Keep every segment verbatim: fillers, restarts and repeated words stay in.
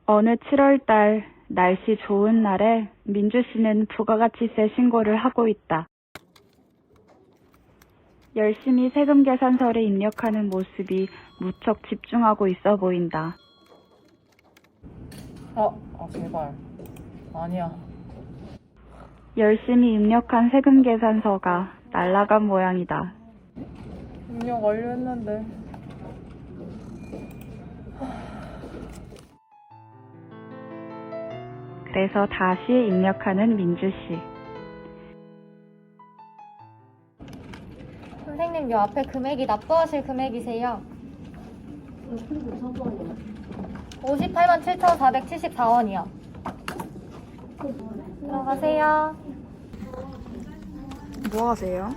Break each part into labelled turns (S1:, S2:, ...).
S1: 어느 칠월달 날씨 좋은 날에 민주 씨는 부가가치세 신고를 하고 있다. 열심히 세금 계산서를 입력하는 모습이 무척 집중하고 있어 보인다.
S2: 어, 아 제발. 아니야.
S1: 열심히 입력한 세금 계산서가 날아간 모양이다.
S2: 입력 완료했는데.
S1: 그래서 다시 입력하는 민주 씨.
S3: 선생님, 요 앞에 금액이 납부하실 금액이세요. 오십팔만 칠천사백칠십사 원이요. 들어가세요.
S1: 뭐 하세요?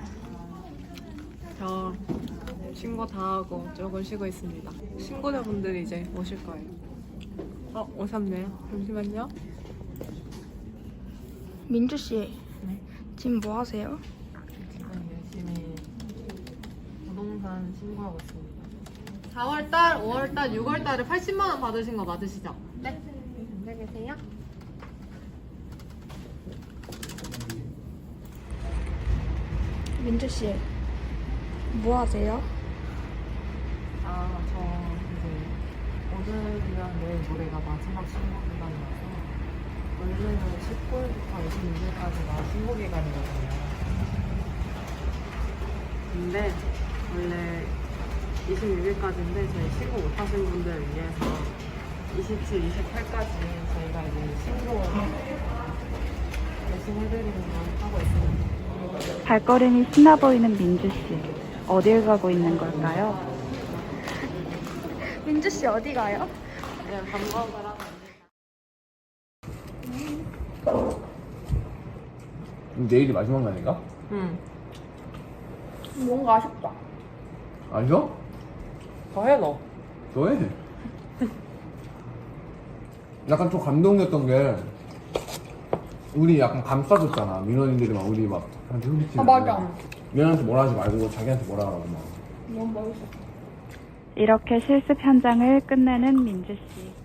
S2: 저 신고 다 하고 조금 쉬고 있습니다. 신고자분들이 이제 오실 거예요. 어, 오셨네요. 잠시만요.
S4: 민주 씨,
S2: 네.
S4: 지금 뭐 하세요?
S2: 지금 열심히 부동산 신고하고 있습니다. 사월달, 오월달, 유월달에 팔십만 원 받으신 거 맞으시죠? 네. 앉아 계세요.
S4: 민주 씨, 뭐 하세요?
S2: 아, 저 이제 오늘이랑 내일 모레가 마지막 신고 기간이라서 원래는 십구 일부터 이십육 일까지가 신고 기간이거든요. 근데 원래 이십육 일까지인데 저희 신고 못하신 분들을 위해서 이십칠, 이십팔까지 저희가 이제 신고 대신 해드리는 걸 하고 있습니다.
S1: 발걸음이 신나 보이는 민주 씨. 어딜 가고 있는 걸까요?
S4: 민주 씨 어디 가요?
S2: 그냥 밥 먹으러
S5: 내일이 마지막 날인가?
S2: 응.
S4: 뭔가 아쉽다.
S5: 아니요?
S2: 더 해, 너.
S5: 너해. 약간 좀 감동이었던 게 우리 약간 감싸줬잖아. 민원인들이 막 우리 막 한테 소리치고.
S4: 아, 맞아.
S5: 민원한테 뭐라 하지 말고 자기한테 뭐라 하라고 막.
S4: 너무 멋있어.
S1: 이렇게 실습 현장을 끝내는 민주 씨.